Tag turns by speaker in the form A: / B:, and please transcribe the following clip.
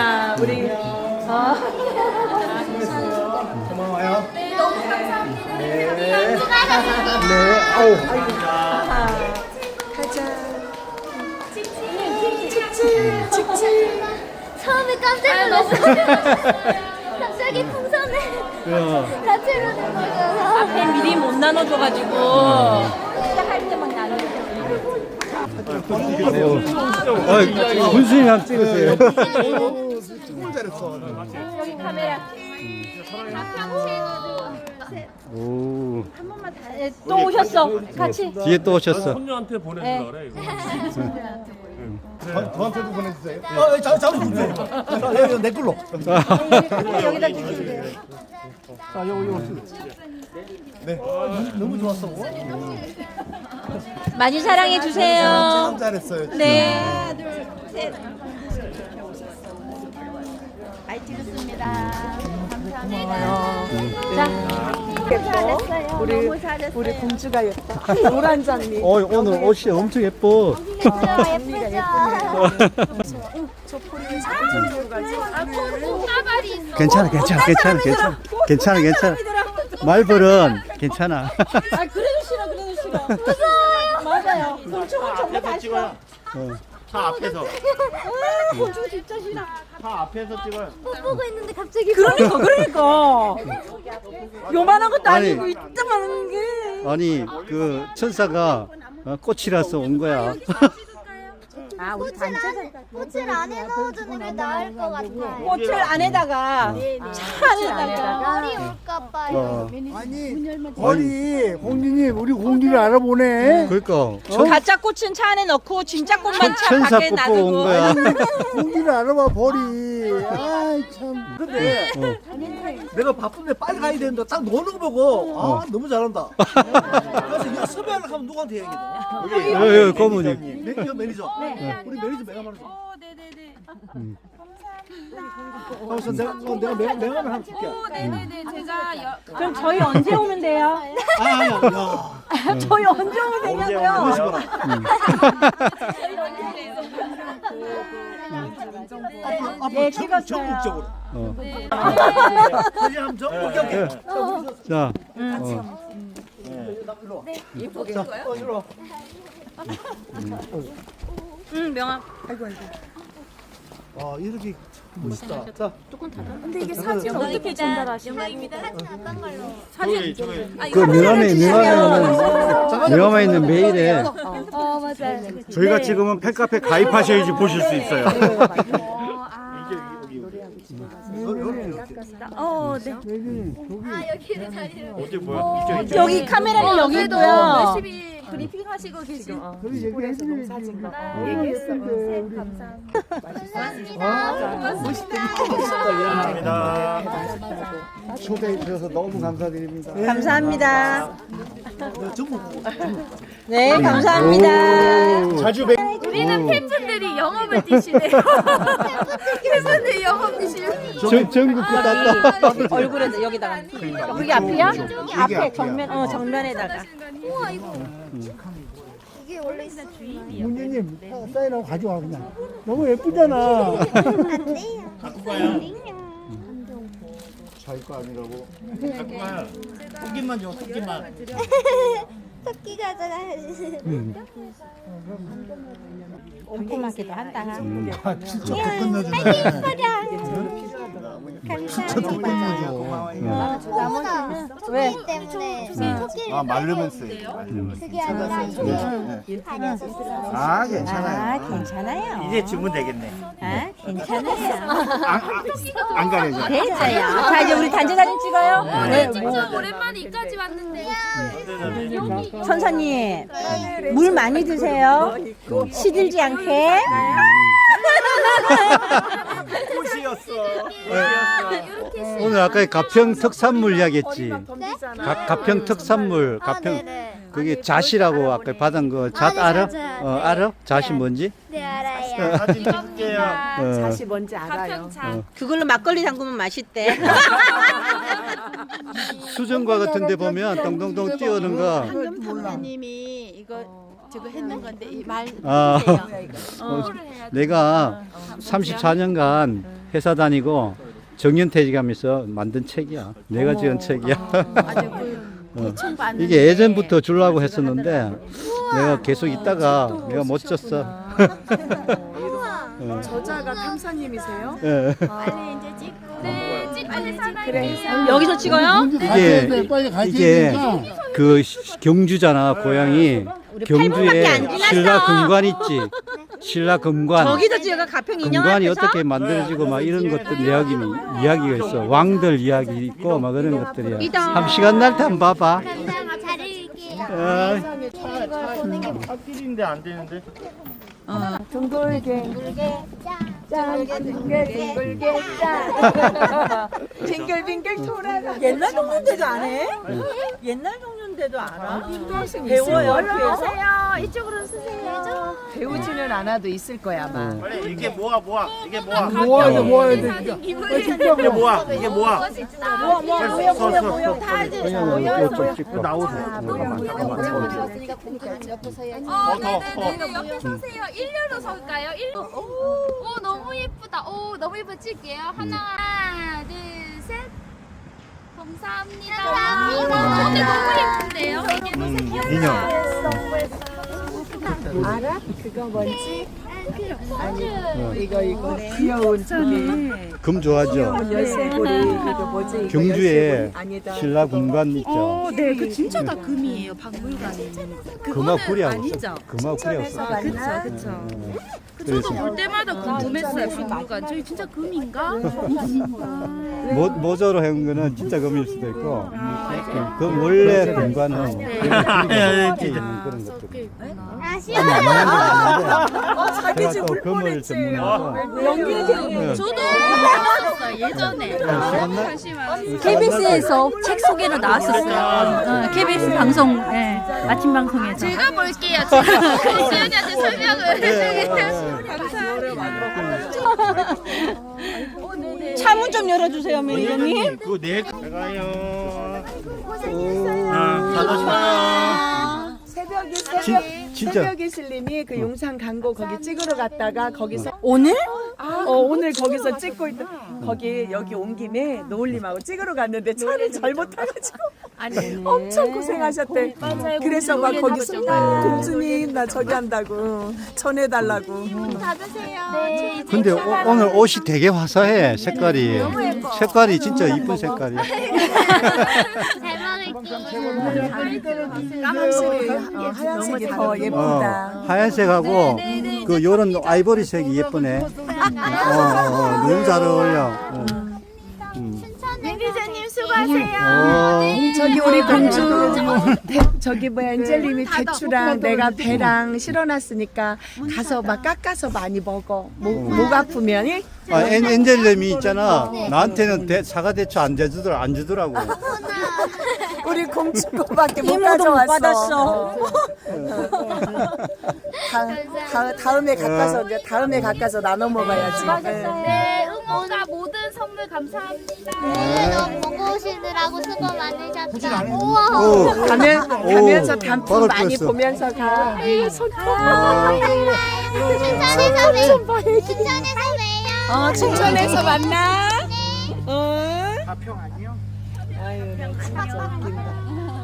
A: 자, 우리
B: 고마워요.
C: 너무 감사합니다.
B: 네. 네. 아우.
A: 가자.
C: 처음에 깜짝 놀랐어요. 갑자기 풍선을 같이 이러는 거잖아.
A: 앞에 미리 못 나눠줘가지고 시작할 때만 나누죠.
D: 군수님 한번 찍으세요.
B: 정말 잘했어.
A: 여기 카메라.
D: 오,
A: 또 오셨어. 같이.
D: 뒤에 또 오셨어.
E: 손녀한테 보내주라 그래 이거.
B: 저한테도 보내주세요. 잡아주세요. 여기 내 걸로.
A: 여기다 주시면 돼요.
B: 자, 요거. 네. 너무 좋았어.
A: 많이 사랑해 주세요.
B: 참 잘했어요. 진짜.
A: 네.
C: 많이 찍었습니다. 감사합니다. 잘했어요. 너무 잘했어요.
F: 우리 공주가 예뻐. 노란 장미.
D: 오늘 옷이 엄청 예뻐.
C: 예쁘죠?
F: 저 포리를 잘 들어가지.
C: 까발이 있어.
D: 괜찮아. 말벌은 괜찮아.
A: 아 그래도 싫어. 무서워요. 맞아요. 곤충은 정말 다 싫어.
E: 차 앞에서
A: 곤충 진짜 싫어.
E: 차 앞에서 찍어요.
C: 못 보고 있는데 갑자기.
A: 그러니까. 요만한 것도
D: 아니.
A: 아니고 이따만한 게.
D: 아니 그 천사가 꽃이라서 온 거야.
A: 아 우리
C: 꽃을 안에 넣어주는 게 나을 것 같아요.
A: 꽃을 안에다가 차 안에다가.
C: 머리 올까봐요.
B: 아니, 거리 공주님, 우리 공주를 알아보네.
D: 그러니까
A: 가짜 꽃은 차 안에 넣고 진짜 꽃만 차
D: 천사
A: 밖에
D: 뽑고 온
A: 놔두고.
D: 거야.
B: 공주를 알아봐 버리. 아이 참.
F: 근데 내가 바쁜데 빨리 가야 되는데 딱 노는 거 보고 아 너무 잘한다. 그래서 이거 섭외하려고 하면 누구한테 얘기해?
D: 여기 고모님.
F: 매니저 매니저. 우리 매니저 내가 말해줘.
C: 네네네.
F: 그래서 내가 내가 하나 줄게.
C: 네네네. 제가
A: 그럼 저희 언제 오면 돼요?
F: 야.
A: 저희 언제 오면 되냐고요? 네, 찍었어요.
F: 전국적으로. 사진 한번 전국적으로.
D: 자,
A: 응, 명함.
F: 아 이렇게 멋있다. 자,
C: 근데 이게 사진 어떻게 전달하시는 영광입니다. 사진 어떤 걸로?
D: 그 명함에 있는 메일에
C: 맞아요.
D: 저희가 찍으면 팬카페 가입하셔야지 보실 수 있어요.
C: 여기를 자리를.
E: 어디 뭐야?
A: 여기 카메라는 여기도요.
C: 열심히 브리핑 하시고 계신.
E: 감사합니다.
B: 초대해 주셔서 너무 감사드립니다.
A: 감사합니다.
F: 전국.
A: 네, 감사합니다.
B: 자주 뵙.
C: 우리는 팬분들이 영업을 뛰시네요. 팬분들이 영업 뛰시네요.
D: 전국 땄다.
A: 얼굴에 여기다가. 그게 앞이야?
B: 앞에 앞이야.
A: 정면에다가.
C: 우와 이거. 이게 원래 있어.
B: 문주님 사인하고 가져와 그냥. 너무 예쁘잖아.
C: 안 돼요.
E: 갖고 가요.
B: 자기 거 아니라고.
E: 갖고 가요. 토끼만 줘, 토끼만.
C: 토끼 가져가야지.
A: 꼼꼼하기도 한다.
B: 진짜 더 끝내주네. 진짜 더 끝내줘.
C: 나머지는
A: 왜?
C: 토끼 때문에 토끼를
B: 아 말르면서.
C: 그게 아니라 이게 다녀서
B: 아 괜찮아요.
A: 괜찮아요.
E: 이제 주문 되겠네.
A: 아, 괜찮아요.
B: 안 가려져.
A: 됐어요. 자, 이제 우리 단체 사진 찍어요. 네,
C: 진짜 오랜만에 이까지 왔는데.
A: 선사님, 물 많이 드세요. 시들지 않게.
E: 꽃이었어.
D: 오늘 아까 가평 특산물 이야기했지. 가평 특산물,
C: 아,
D: 가평
C: 네네.
D: 그게 잣이라고 아까 받은 거 잣 알아?
C: 맞아요.
D: 알아? 잣이 뭔지?
C: 네 알아요.
E: 사진 찍게요.
F: 다시 뭔지 알아요.
A: 그걸로 막걸리 담그면 맛있대.
D: 수정과 같은 데 보면 동동동 뛰어오는 거.
G: 황금 탐사님이 이거 저거 했는 건데 이말
D: 아,
G: 해주세요.
D: 내가 34년간 회사 다니고 정년퇴직하면서 만든 책이야. 내가 지은 책이야.
G: 아주 그 대충
D: 이게 예전부터 주려고 했었는데 내가 계속 있다가 내가 못 줬어.
A: 저자가 탐사님이세요?
D: 예.
C: 빨리 이제 찍고. 네, 찍고 살아요.
A: 여기서 찍어요?
D: 이게 그 경주잖아 고향이. 경주에 신라 금관 있지. 신라 금관.
A: 저기서 찍어가 가평 인형
D: 금관이
A: 앞에서?
D: 어떻게 만들어지고 막 이런 것들 이야기가 있어. 왕들 이야기 있고 막 그런 것들이야. 한 시간 날 때 한번 봐봐.
C: 감사합니다. 잘 읽을게요.
E: 차길인데 안 되는데.
A: 빙글빙글 돌아가. 옛날 종류인데도 안 해? 옛날 종류인데도 알아? 배워요.
C: 오세요. 이쪽으로 쓰세요.
G: 배우지는 않아도 있을 거야 아마.
E: 빨리 이게 모아. 이게 모아.
B: 모아야 돼.
E: 이게 모아. 이게 모아.
D: 그냥 좀 찍고.
E: 나오세요.
C: 옆에 서세요. 일렬로 설까요? 오, 너무 예쁘다. 오, 너무 예쁘 찍게요. 하나, 둘, 셋. 감사합니다. 근데 너무 예쁜데요? 이게 너무
D: 인형.
G: 알아? 그거 뭔지?
C: 이거
G: 귀여운 저기
D: 금 좋아하죠.
G: 열쇠고리 이거 뭐지? 이거
D: 경주에
G: 열쇠고리 아니다.
D: 신라 금관 있죠.
G: 네, 그 진짜 다 금이에요. 박물관에.
D: 금화구리하고 있어. 금화구리하고 있어.
G: 그쵸.
D: 그래서
C: 볼 때마다 궁금했어요. 박물관. 저희 진짜 금인가?
D: 모자로 해온 거는 진짜 금일 수도 있고, 그 원래 금관은 그런 것들. 제가 또 금을 전문하고.
C: 저도 봤었어요. 예전에.
A: KBS에서 책 소개로 나왔었어요. KBS 방송, 아침 방송에서.
C: 제가 볼게요. 제가 지연이한테 설명을 해주세요.
A: 차문 좀 열어주세요, 매니저님.
E: 그거 내 가요. 잘
D: 진짜.
G: 새벽에 실님이 그 용산 광고 거기 찍으러 갔다가 거기서
A: 오늘?
G: 오늘 거기서 찍고 있던 거기 여기 온 김에 노을님하고 찍으러 갔는데 차를 잘못 타가지고 엄청 고생하셨대. 그래서 막 거기서 공주님 나 저기 한다고 전해달라고.
C: 닫으세요.
D: 근데 오늘 옷이 되게 화사해, 색깔이. 색깔이 진짜 이쁜 색깔이야.
C: 잘 먹을게요.
G: 확실히 하얀색이 더 예쁘다.
D: 하얀색하고 그 요런 아이보리색이 예쁘네. 너무 잘 어울려.
C: 매니저님 수고하세요.
G: 저기 우리 공주 저기 뭐야 엔젤님이 대추랑 내가 배랑 실어놨으니까 가서 막 깎아서 많이 먹어. 목 아프면
D: 엔젤님이 있잖아. 나한테는 사과 대추 안 주더라고.
G: 우리 공주 거밖에 못
A: 이모도 못
G: 가져왔어.
A: 받았어.
G: 다음에 가까서 나눠 먹어야지.
C: 네, 응원과 모든 선물 감사합니다. 네, 너무 보고 오시느라고 수고 많으셨다. 우와.
G: 가면서 단풍
D: 바로
G: 많이
D: 뺐어.
G: 보면서 가.
C: 춘천에서 봬요.
G: 춘천에서 만나.
E: 가평 아니요?
G: 아유, 나 진짜 웃긴다.